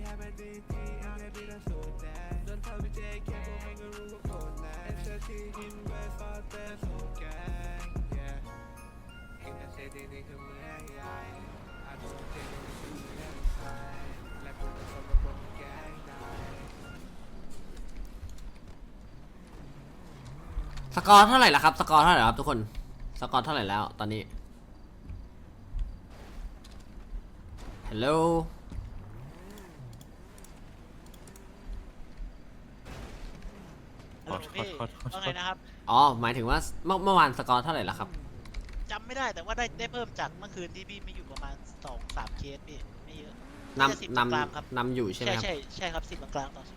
สกอร์เท่าไหร่ละครับสกอร์เท่าไหร่ครับทุกคนสกอร์เท่าไหร่แล้วตอนนี้ฮัลโหลพี่ว่าไงนะครับอ๋อหมายถึงว่าเมื่อวานสกอร์เท่าไหร่ละครับจำไม่ได้แต่ว่าได้เพิ่มจากเมื่อคืนที่พี่ไม่อยู่ประมาณ2-3เคสพี่ไม่เยอะนำอยู่ใช่ไหมครับใช่ครับ10กลางต่อ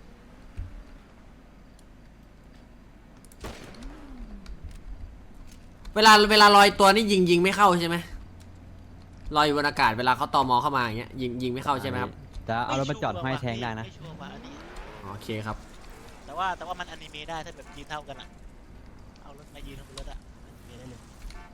เวลาลอยตัวนี่ยิงไม่เข้าใช่ไหมลอยอยู่บนอากาศเวลาเขาตมเข้ามาอย่างเงี้ยยิงไม่เข้าใช่ไหมครับจะเอารถมาจอดให้แทงได้นะโอเคครับแต่ว่ามันอนิเมะได้ถ้าแบบยืนเท่ากันอ่ะเอารถมายืนบนรถอ่ะอนิเมะได้เลย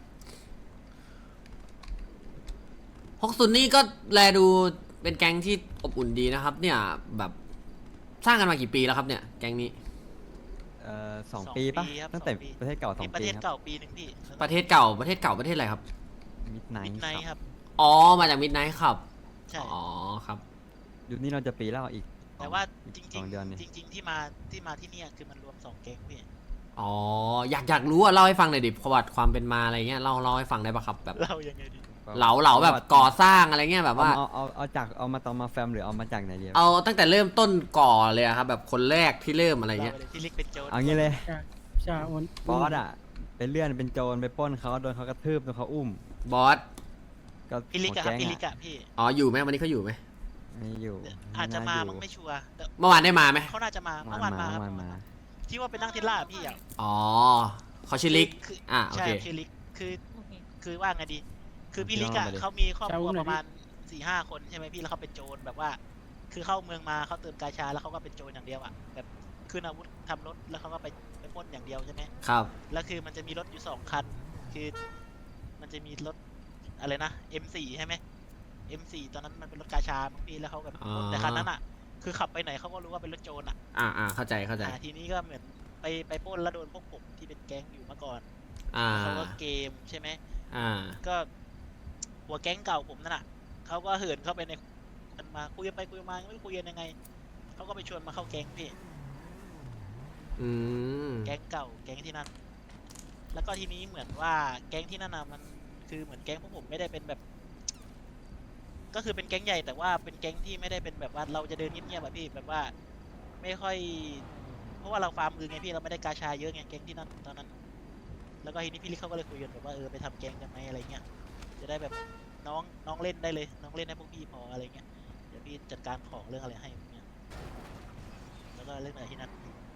60นี่ก็แลดูเป็นแก๊งที่อบอุ่นดีนะครับเนี่ยแบบสร้างกันมากี่ปีแล้วครับเนี่ยแก๊งนี้ 2 ปีปะตั้งแต่ประเทศเก่า2 ปีประเทศเก่าปีหนึ่งพี่ประเทศเก่าประเทศอะไรครับมิดไนท์ครับอ๋อมาจากมิดไนท์ครับใช่อ๋อครับยุคนี้เราจะปีแล้วอีกแต่ว่าจริงที่มาที่นี่คือมันรวม2 แก๊งพี่อ๋ออยากรู้อ่ะเล่าให้ฟังหน่อยดิประวัติความเป็นมาอะไรเงี้ยเล่าให้ฟังได้ปะครับแบบเล่ายังไงดีเหลาแบบก่อสร้างอะไรเงี้ยแบบว่าเอามาตอนมาแฟมหรือเอามาจากไหนเดียวเอาตั้งแต่เริ่มต้นก่อเลยครับแบบคนแรกที่เริ่มอะไรเงี้ยที่ลิกเป็นโจรเอางี้เลยใช่บอสอ่ะเป็นเลื่อนเป็นโจรไปปล้นเขาโดนเขากระทืบโดนเขาอุ้มบอสก็พี่ลิกอะพี่อ๋ออยู่ไหมวันนี้เขาอยู่ไหมไม่อยู่อาจจะมามั้งไม่ชัวร์เมื่อวานได้มาไหมเขาน่าจะมาเมื่อวานมาที่ว่าเป็นนั่งเทสลาพี่อ่ะอ๋อเขาชื่อลิกโอเคชื่อลิกคือว่าไงดีคือพี่ลิกอะเขามีครอบครัวประมาณ4-5 คนใช่ไหมพี่แล้วเขาเป็นโจรแบบว่าคือเข้าเมืองมาเขาเติมกาชาแล้วเขาก็เป็นโจรอย่างเดียวอะแบบขึ้นอาวุธทำรถแล้วเขาก็ไปปล้นอย่างเดียวใช่ไหมครับแล้วคือมันจะมีรถอยู่2 คันคือมันจะมีรถอะไรนะ M4 ใช่ไหม M4 ตอนนั้นมันเป็นรถกาชาบางทีแล้วเขาแบบแต่คันนั้นอ่ะคือขับไปไหนเขาก็รู้ว่าเป็นรถโจรอ่ะเข้าใจทีนี้ก็เหมือนไปปล้นแล้วโดนพวกผมที่เป็นแก๊งอยู่มาก่อนเขาก็เกมใช่ไหมก็หัวแก๊งเก่าผมนั่นน่ะเขาก็เหินเข้าไปในมันมาคุยไปคุยมาไม่คุยกันยังไงเขาก็ไปชวนมาเข้าแก๊งพี่แก๊งเก่าแก๊งที่นั่นแล้วก็ทีนี้เหมือนว่าแก๊งที่นั่นน่ะมันคือเหมือนแก๊งพวกผมไม่ได้เป็นแบบก็คือเป็นแก๊งใหญ่แต่ว่าเป็นแก๊งที่ไม่ได้เป็นแบบว่าเราจะเดินเงียบๆแบบพี่แบบว่าไม่ค่อยเพราะว่าเราฟาร์มไงพี่เราไม่ได้กาชาเยอะไงแก๊งที่นั่นตอนนั้นแล้วก็ทีนี้พี่ลิกเขาก็เลยคุยกันแบบว่าไปทำแก๊งกันไหมอะไรเงี้ยจะได้แบบน้องเล่นได้เลยน้องเล่นให้พวกพี่พออะไรเงี้ยเดี๋ยวพี่จัดการของเรื่องอะไรให้เนี่ยแล้วก็เรื่องอะไรที่นั่น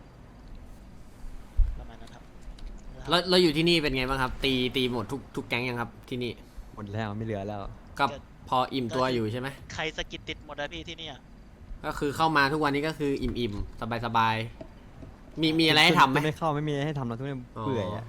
ประมาณนั้นครับเราอยู่ที่นี่เป็นไงบ้างครับตีหมดทุกแก๊งยังครับที่นี่หมดแล้วไม่เหลือแล้วก็พออิ่มตัวอยู่ใช่ไหมใครสกิดติดหมดนะพี่ที่นี่ก็คือเข้ามาทุกวันนี้ก็คืออิ่มสบายมีอะไรให้ทำไหมไม่เข้าไม่มีอะไรให้ทำเราทุกคนเปื่อยอ่ะ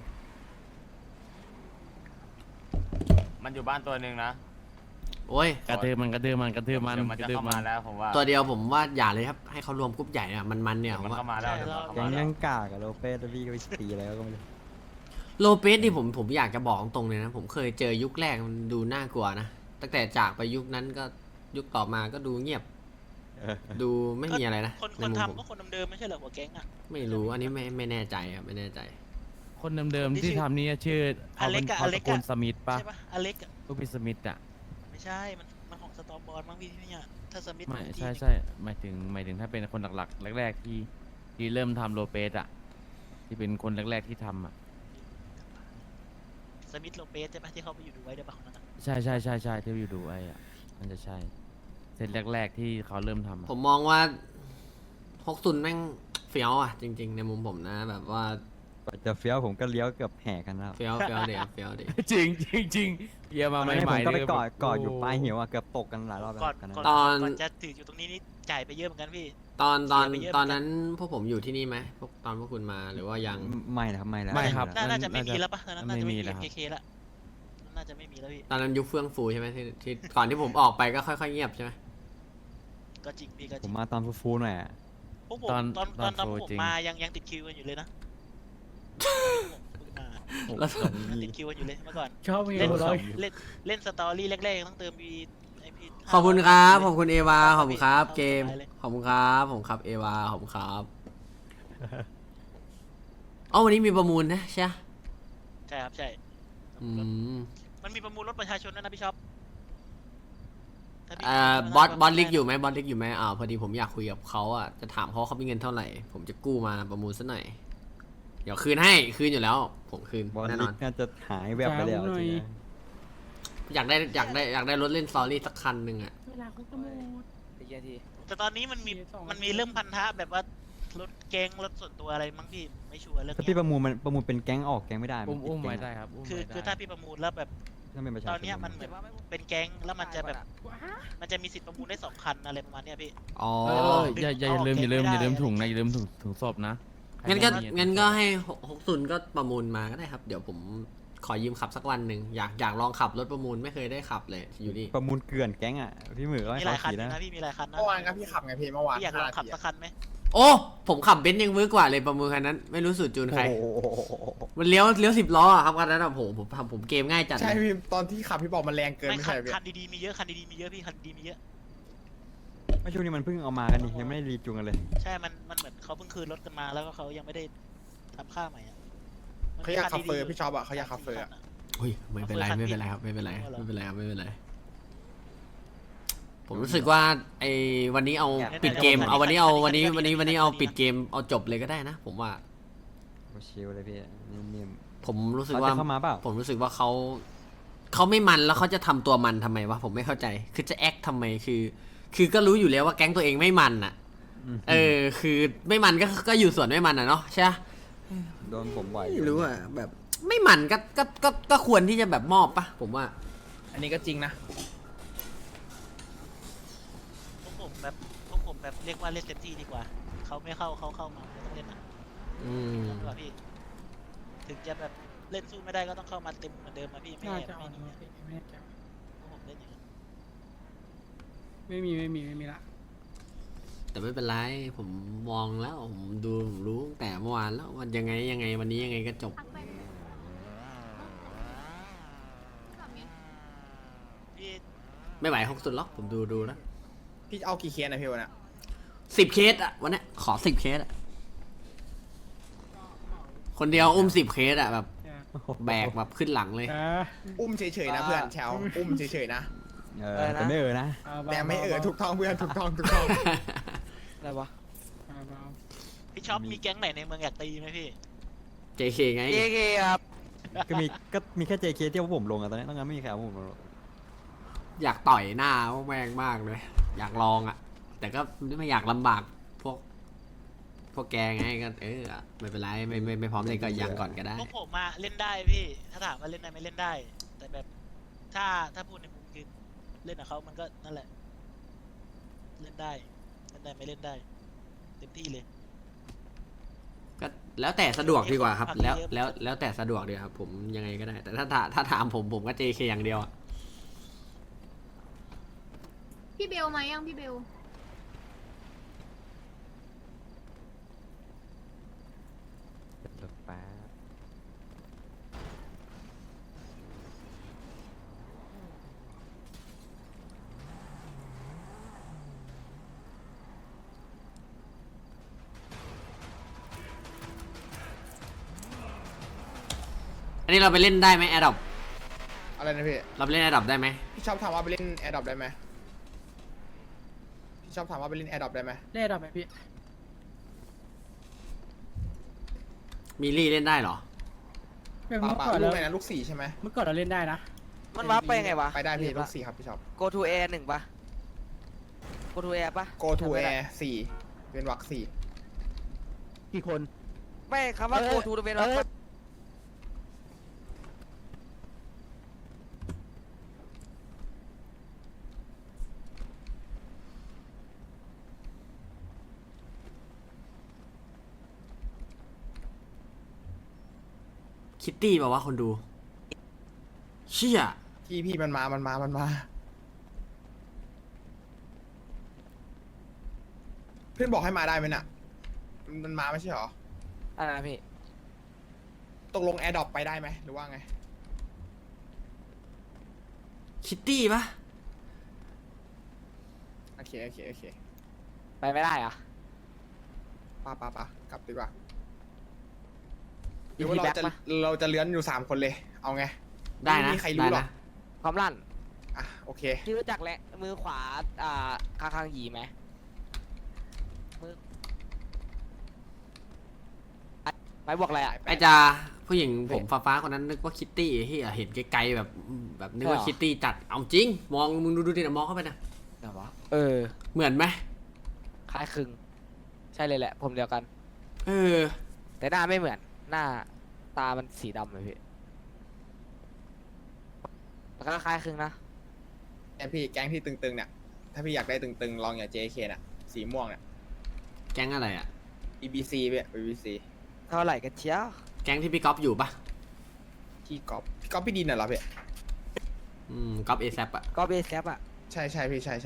มันอยู่บ้านตัวหนึ่งนะโอ้ยกระตือมันจะเข้ามาแล้วผมว่าตัวเดียวผมว่าอย่าเลยครับให้เขารวมกรุ๊ปใหญ่อะมันเนี่ยมันเข้ามาแล้วยังกากอะโลเปสพี่ก็ไปตีอะไรก็ไม่รู้โลเปสที่ผมอยากจะบอกตรงเลยนะผมเคยเจอยุคแรกมันดูน่ากลัวนะตั้งแต่จากไปยุคนั้นก็ยุคต่อมาก็ดูเงียบดูไม่มีอะไรนะคนทำก็คนเดิมไม่ใช่เหรอหัวแก๊งอ่ะไม่รู้อันนี้ไม่แน่ใจครับไม่แน่ใจคนเดิมที่ทำนี่ชื่ออเล็กคนสมิธปะใช่ปะอเล็กลูกพี่สมิธอ่ะไม่ใช่มันของสตอมบอลมั้งพี่ที่นี่ถ้าสมิธไม่ใช่หมายถึงถ้าเป็นคนหลักๆแรกๆที่เริ่มทำโลเปสอ่ะที่เป็นคนแรกๆที่ทำอ่ะสมิธโลเปสใช่ปะที่เขาไปอยู่ดูไว้ได้ปะของนั้นใช่ที่อยู่ดูไว้อ่ะมันจะใช่เซตแรกๆที่เขาเริ่มทำผมมองว่า60แม่งเฟี้ยวอ่ะจริงๆในมุมผมนะแบบว่าจะเฟี้ยวผมก็เลี้ยวเกือบแห่กันแล้วเฟี้ยวเด็กจริงเยี่ยมมาใหม่ผมก็ไปกอดอยู่ปลายหิวอ่ะเกือบตกกันหลายรอบตอนจะถืออยู่ตรงนี้นี่จ่ายไปเยอะเหมือนกันพี่ตอนนั้นพวกผมอยู่ที่นี่ไหมตอนพวกคุณมาหรือว่ายังไม่นะครับไม่ครับน่าจะไม่มีแล้วปะตอนนั้นน่าจะไม่มีเคแล้วน่าจะไม่มีแล้วพี่ตอนนั้นยุคเฟื่องฟูใช่ไหมที่ก่อนที่ผมออกไปก็ค่อยๆเงียบใช่ไหมก็จริงพี่ก็จผริมงมาตอนฟูๆหน่อยอะพวกผมตอนตอนตอนพวกโฟผมจริงมายังติดคิวกันอยู่เลยนะผมมาแล้วยังติดคิวกันอยู่เลยเมื่อก่อนชอบมีเล่นหัวเราะเล่นสตอรี่แรกๆต้องเติมวีไอพีขอบคุณครับขอบคุณเอวาขอบคุณครับเข้าเกมสบายเลยขอบคุณครับผมครับเอวาขอบคุณครับอ๋อวันนี้มีประมูลนะใช่ปะใช่ครับใช่อืมมันมีประมูลรถประชาชนด้วยนะพี่ช็อปถ้าพี่บอสลิกอยู่ไหมบอสลิกอยู่ไหมพอดีผมอยากคุยกับเขาอ่ะจะถามเขาเขามีเงินเท่าไหร่ ผมจะกู้มาประมูลซะหน่อยเดี๋ยวคืนให้คืนอยู่แล้ว ผมคืนบอลแน่นลิอก นน่าจะหายแวบไปแล้วจริงนะอยากได้รถเล่นสตอรี่สักคันหนึ่งอ่ะเวลาเขากระโมดแต่ตอนนี้มันมีเรื่องพันธะแบบว่ารถแก๊งรถส่วนตัวอะไรมั้งพี่ไม่ชัวร์เรื่องถ้าเนี้พี่ยประมูลมันประมูลเป็นแก๊งออกแก๊งไม่ได้อุ้มนไว้ติดได้แก๊งครับอุ้มคือไว้ได้คือถ้าพี่ประมูลแล้วแบบต้องเป็นประชาชตนอนเนี้ยมันเหมือนเป็นแก๊งแล้วมันจะแบบมันจะมีสิทธิ์ประมูลได้2 คันอะไรประมาณเนี้ยพี่อ๋ออย่าลืมถุงนะอย่าลืมถุงศพนะงั้นก็ใครไม่มีงั้นก็ให้60ก็ประมูลมาก็ได้ครับ เดี๋ยวผมขอยืมขับสักวันหนึ่งอยากลองขับรถประมูลไม่เคยได้ขับเลยอยู่นี่ประมูลเกลื่อนแก๊งอ่ะพี่หมือก็ให้มีหลายเขาคันขี่นะนะพี่มีหลายคันนะเมื่อวานก็พี่ขับไงพี่เมื่อวานพี่อยากลองขับสักคันไหมโอ้ผมขับเบนซ์ยังมือกว่าเลยประมูลคันนั้น ไม่รู้สูตรจูนใครโอ้โหมันเลี้ยว10 ล้ออะครับคันนั้นอะผมเกมง่ายจัดใช่เลยพี่ตอนที่ขับพี่บอกมันแรงเกินไม่ไม่คัใช่นพี่คันดีๆมีเยอะคันดีๆมีเยอะพี่คันดีๆมีเยอะไม่ช่วงนี้มันเพิ่งเอามากันนี่ยังไม่ได้รีจูงกันเลยใช่มันเหมือนเขาเพิ่งคืนรถกันมาแล้วก็เขายังไม่ได้ทำค่าใหม่อะมันเขาอยากมีขับนเฟอดีร์ๆพี่ชอบอ่ะเขาอยากขับเฟอร์ 3-4 อ่ะคันอุ้ยไม่เป็นไรไม่เป็นไรครับไม่เป็นไรไม่เป็นไรครับไม่เป็นไรผมรู้สึกว่าไอ้วันนี้เอาปิดเกมเอาวันนี้เอาปิดเกมเอาจบเลยก็ได้นะ ผมว่าชิลเลยพี่นิ่มผมรู้ๆสึกเขาว่าจะเข้ามาเปล่าผมรู้สึกว่าเขาไม่มันแล้วเขาจะทำตัวมันทำไมวะผมไม่เข้าใจ คือจะแอคทำไมคือก็รู้อยู่แล้วว่าแก๊งตัวเองไม่มันอ่ะ คือไม่มันก็อยู่ส่วนไม่มันอ่ะเนาะใช่ปะโดนผมบ่อยไม่รู้อ่ะแบบไม่มันก็ควรที่จะแบบมอบปะผมว่าอันนี้ก็จริงนะพวกผมแบบเรียกว่าเล่นเต็มที่ดีกว่าเขาไม่เข้าเขาเข้ามาไม่ต้องเล่นนะอืมดีกว่าพี่ถึงจะแบบเล่นสู้ไม่ได้ก็ต้องเข้ามาเต็มเหมือนเดิมมาพี่ไม่น่าแอบจะอ่ไม่อนหนีวะอะพี่ไม่แน่ใจพวกผมเล่นอย่างนั้นไม่มีละแต่ไม่เป็นไรผมมองแล้วผมดูผมรู้ตั้งแต่เมื่อวานแล้ววันยังไงวันนี้ยังไงก็จบพี่ไม่ไหว60หรอกผมดูแล้วพี่เอากี่เคสนะพี่วันน่ะ 10 เคสอะวันนี้ขอ10 เคสอะคนเดียวอุ้ม10 เคสอะแบบแบกแบบขึ้นหลังเลยอุ้มเฉยๆนะเพื่อนแชวอุ้มเฉยๆนะแต่ไม่นะแต่ไม่ถูกต้องเพื่อนถูกต้องอะไรวะพี่ชอบมีแก๊งไหนในเมืองอยากตีไหมพี่ JK ไงเอเคครับก็มีแค่ JK ที่ว่าผมลงอะตอนนี้ต้องงั้นไม่มีใครเอาผมลงอยากต่อยหน้าพวกแม่งมากเลย อยากลองอะแต่ก็ไม่อยากลำบากพวกแกไงก็ไม่เป็นไรไม่พร้อมเลยก็ยังก่อนก็ได้พวกผมมาเล่นได้พี่ ถ้าถามว่าเล่นได้ไหมเล่นได้ แต่แบบถ้าพูดในมุมคือเล่นกับเขามันก็นั่นแหละ เล่นได้ไม่เล่นได้เต็มที่เลยก็แล้วแต่สะดวกดีกว่าครับ แล้วแต่สะดวกดีครับ ผมยังไงก็ได้ แต่ถ้าถามผมก็ JK อย่างเดียวอะพี่เบลมายังพี่เบลแป๊บอันนี้เราไปเล่นได้ไหมแอดดอปอะไรนะพี่เราไปเล่นแอดดอปได้ไหมพี่ชอบถามว่าไปเล่นแอร์ดรอปได้ไหมพี่ชอบถามว่าไปเล่นแอร์ดรอปได้ไหมเล่ดอกไหมพี่มีลี่เล่นได้เหรอเมื่อป่าก่อนลูเรากไหนนะลูก4ใช่ไหมเมื่อก่อนเราเล่นได้นะมันวับไปยังไงวะไปได้พี่ลูก4ครับพี่ชอบ go to air 1ปะ go to air ปะ go to air 4เป็นวรรค4 กี่คนไม่คำว่า go to เป็นวับปะคิตตี้บอกว่าคนดู เชี่ยพี่มันมาเพื่อนบอกให้มาได้ไหมน่ะมันมาไม่ใช่เหรออะไรนะพี่ตกลงแอร์ดรอปไปได้ไหมหรือว่าไงคิตตี้ปะโอเคไปไม่ได้เหรอะปกลับดีกว่าหอีรือพีว่าแบ็คปะเราจะเลื้อนอยู่3 คนเลย เอาไงได้นะไม่มีใครรู้ได้หรอนะกความลั่นอ่ะโอเคพี่รู้จักแหละมือขวาคางหยีไหมมือไปบอกอะไรอะไอจาผู้หญิงผมฟ้าๆคนนั้นนึกว่าคิตตี้ที่เห็นไกลๆแบบนึกว่าคิตตี้จัดเอาจริง มองมึงดูดินะมองเข้าไปนะไหนวะเออเหมือนไหมคล้ายคลึง ใช่เลยแหละ ผมเดียวกันเออแต่หน้าไม่เหมือน หน้าตามันสีดำเลยพี่แต่ก็คล้ายคลึงนะแก๊งที่ตึงๆเนี่ย ถ้าพี่อยากได้ตึงๆ ลองอย่า JK น่ะ สีม่วงเนี่ยแก๊งอะไรอ่ะ EBC เว้ย EBC เท่าไหร่กันเชียวแก๊งที่พี่ก๊อฟอยู่ปะพี่ก๊อฟพี่ดินน่ะเหรอพี่ก๊อฟเอซอ่ะก็เบสแคปอะใช่พี่ใช่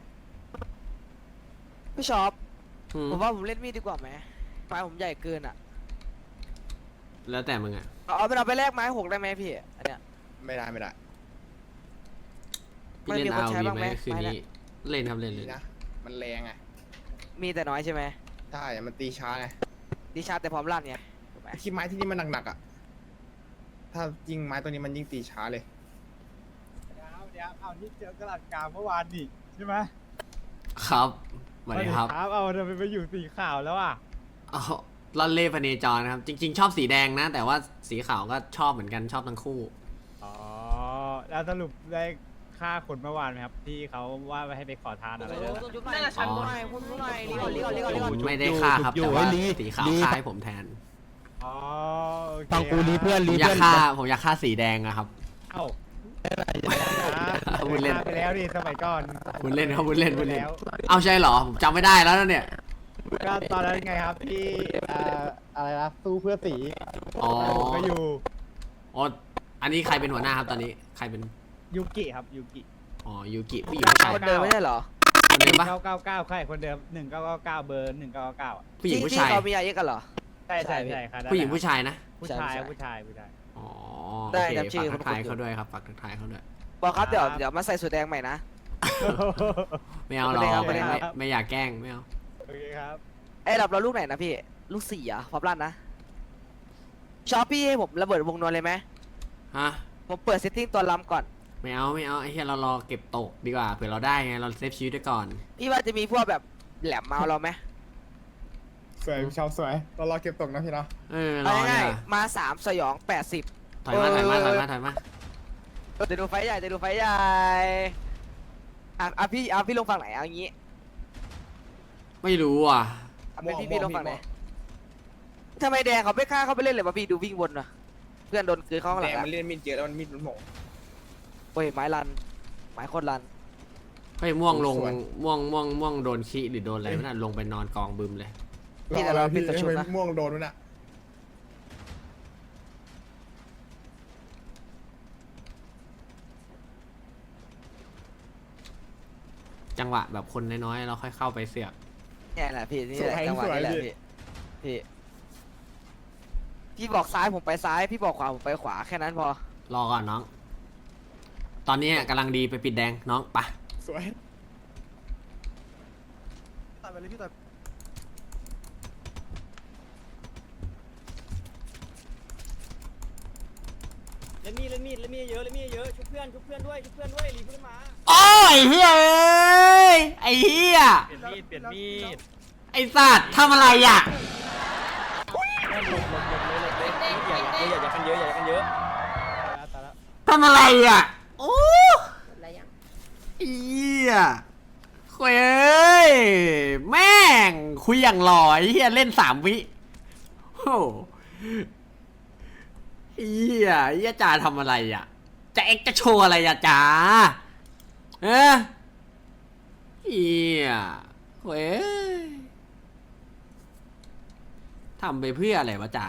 พี่ชอบอืมผมว่าผมเล่นมีดดีกว่าไหมไม้ผมใหญ่เกินอะแล้วแต่มึงอ่ะเอาไปแลกไม้6ได้ไหมพี่ อันเนี้ยไม่ได้พี่เล่นมันมีคนเอาใช้วีบ้างไหไหมมคืนนี้เล่นครับเล่นดีนะ มันแรงไงมีแต่น้อยใช่ไหมใช่มันตีช้าไงดิชาร์จแต่พร้อมลั่นไงถูกไหมที่ไม้ที่นี่มันหนักๆอ่ะ ถ้ายิงไม้ตัวนี้มันยิ่งตีช้าเลยเดี๋ยวเอาที่เจอกระดาษกลางเมื่อวานนี่ใช่ไหมครับสวัสดีครับเอาทำไมไปอยู่สีขาวแล้วอ่ะเอาล่อนเล่พเนจรนะครับ จริง ๆ ชอบสีแดงนะ แต่ว่าสีขาวก็ชอบเหมือนกันชอบทั้งคู่อ๋อแล้วสรุปได้ฆ่าคนเมื่อวานไหมครับที่เขาว่าให้ไปขอทานอะไรนะน่าจะชั้นหน่อยพูดหน่อยรีก่อนไม่ได้ฆ่าครับแต่ว่าสีขาวฆ่าให้ผมแทนอ๋อโอเคฟังกูรีเพื่อนผมอยากฆ่าสีแดงอะครับเอ้าพูดเล่นไปแล้วดิสมัยก่อนพูดเล่นครับพูดเล่นแล้วเอาใช่เหรอผมจำไม่ได้แล้วนะเนี่ยก็ตอนนั้นไงครับที่อะไรนะสู้เพื่อสีอ๋อผมก็อยู่อ๋ออันนี้ใครเป็นหัวหน้าครับตอนนี้ใครเป็นยูกิครับยูกิอ๋อยูกิผู้หญิงผู้ชายคนเดิมไม่ใช่เหรอคนเดิมปะ 999ใครคนเดิม1999เบอร์1999อ่ะผู้หญิงผู้ที่ชายเขามีอายุกันเหรอใช่ครับผู้หญิงผู้ชายนะผู้ชายอ๋อได้โอเคจำชื่อฝากทักทายคนๆอยู่เขาด้วยครับฝากทักทายเขาด้วยบอกครับเดี๋ยวมาใส่สูทแดงใหม่นะไม่เอาหรอกไม่ได้ครับไม่อยากแกล้งไม่เอาโอเคครับเอ้ยเราลูกไหนนะพี่ ลูก4อ่ะพร้อมลั่นนะชอปพี่ให้ผมระเบิดวงนวลเลยไหมฮะผมเปิดเซตติ้งตัวล้ำก่อนไม่เอาไอ้เหี้ยเรารอเก็บตกดีกว่าเผื่อเราได้ไงเราเซฟชีวิตไว้ก่อนพี่ว่าจะมีพวกแบบแหลมเมาเราไหมสวยชาวสวยเรารอเก็บตกนะพี่เนาะเออรเอาอเนี่ง่ายยๆมา3สยอง80 ถอยมาเออถอยมาเดี๋ยวดูไฟใหญ่อ่ะพี่ลงฝั่งไหนเอางี้ไม่รู้อ่ะเอาเป็นพี่ลงฝั่งไหนทำไมแดงเขาไม่ฆ่าเขาไปเล่นเลยวะพี่ดูวิ่งวนนะเพื่อนโดนคืนเข้าข้างหแดลังงอะมันเล่นมีดเยอะแล้วมันมีดมันโหม่งโอ้ยไม้รันไม้โคตรรันเฮ้ยม่วงลงสวยม่วงโดนขี้หรือโดนอะไรไม่น่าลงไปนอนกองบึมเลยพี่แต่เราเป็นตัวชุบนะม่วงโดนมันอ่ะจังหวะแบบคนน้อยๆเราค่อยเข้าไปเสือกเนี่ยแหละพี่นี่แหละจังหวะนี้แหละพี่บอกซ้ายผมไปซ้ายพี่บอกขวาผมไปขวาแค่นั้นพอรอก่อนน้อง ตอนนี้กำลังดีไปปิดแดงน้องไปสวยตัดไปเลยพี่ตัดเล่นมีดเยอะชุบเพื่อนด้วยรีบขึ้นมาโอ้ยเฮ้ยไอ้เฮียเปลี่ยนมีดไอ้สัตว์ทำอะไรอ่ะอย่ากันเยอะตายแล้วทำอะไรอ่ะโอ้อะไรยังเฮียคุยเอ้ยแม่งคุยอย่างหล่อไอ้เฮียเล่น3 วิโอ้เฮียจ่าทำอะไรอ่ะจะเอ็กจะโชว์อะไรอ่ะจ่าเฮียเว้ยทำไปเพื่ออะไรวะจ่า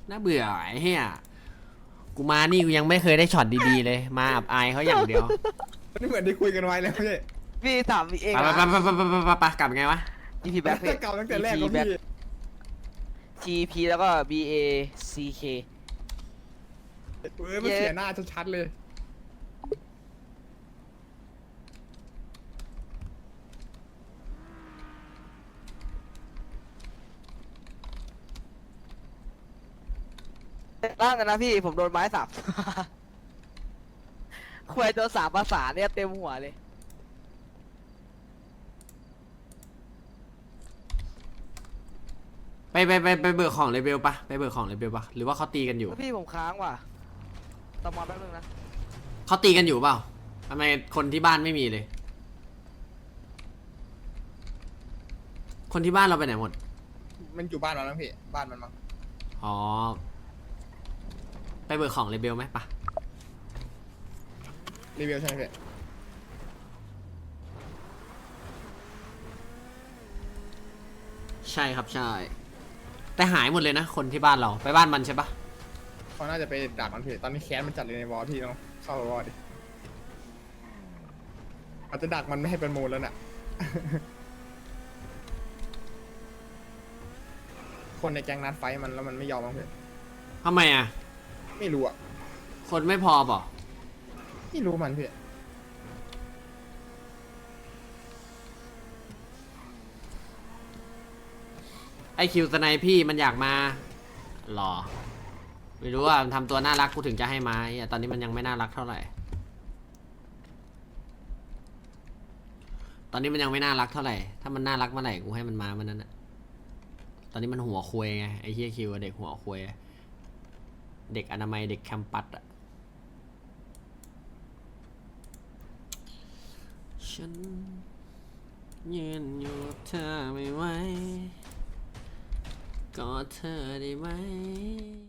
น่าเบื่อไอ้เหี้ยกูมานี่กูยังไม่เคยได้ช็อตดีๆเลย มาอับอายเขาอย่างเดียวนี่เหมือนที่คุยกันไว้แล้วพี่พี่ถามพี่เองไปนะไปกลับไงวะ GP Back พี่เก่าตั้งแต่แรกแล้วพี่ GP แล้วก็ BACK มันเสียหน้าชัดๆเลยร่างกันนะพี่ผมโดนไม้สับ คุยตัว3 ภาษาเนี่ยเต็มหัวเลยไปเบิกของเลเบลปะไปเบิกของเลเบลปะหรือว่าเขาตีกันอยู่พี่ผมค้างว่ะตอมอแป๊บนึงนะเขาตีกันอยู่เปล่าทำไมคนที่บ้านไม่มีเลย คนที่บ้านเราไปไหนหมดมันอยู่บ้านเราแล้วพี่บ้านมันมั้งอ๋อ ไปเบิกของเลเบลไหมปะรีวิวใช่ไหมพี่ใช่ครับใช่ แต่หายหมดเลยนะ คนที่บ้านเราไปบ้านมันใช่ปะเขาน่าจะไปดักมันพี่ตอนนี้แค้นมันจัดเลยในวอลพี่ต้องเข้าวอลดิอาจจะดักมันไม่ให้เป็นมูลแล้วน่ะ คนในแก๊งนัดไฟท์มันแล้วมันไม่ยอมมั้งพี่ทำไมอ่ะไม่รู้อ่ะคนไม่พอเปล่าไม่รู้มันพี่ไอคิวสไนพี่มันอยากมาหรอ ไม่รู้ว่ามันทำตัวน่ารักกูถึงจะให้มาตอนนี้มันยังไม่น่ารักเท่าไหร่ ตอนนี้มันยังไม่น่ารักเท่าไหร่ ถ้ามันน่ารักเมื่อไหร่กูให้มันมาเมื่อนั้นอะตอนนี้มันหัวคุยไงไอเฮียคิวเด็กหัวคุยเด็กอนามัยเด็กแคมปัสอะฉันยืนอยู่เธอไม่ไหวกอดเธอได้ไหม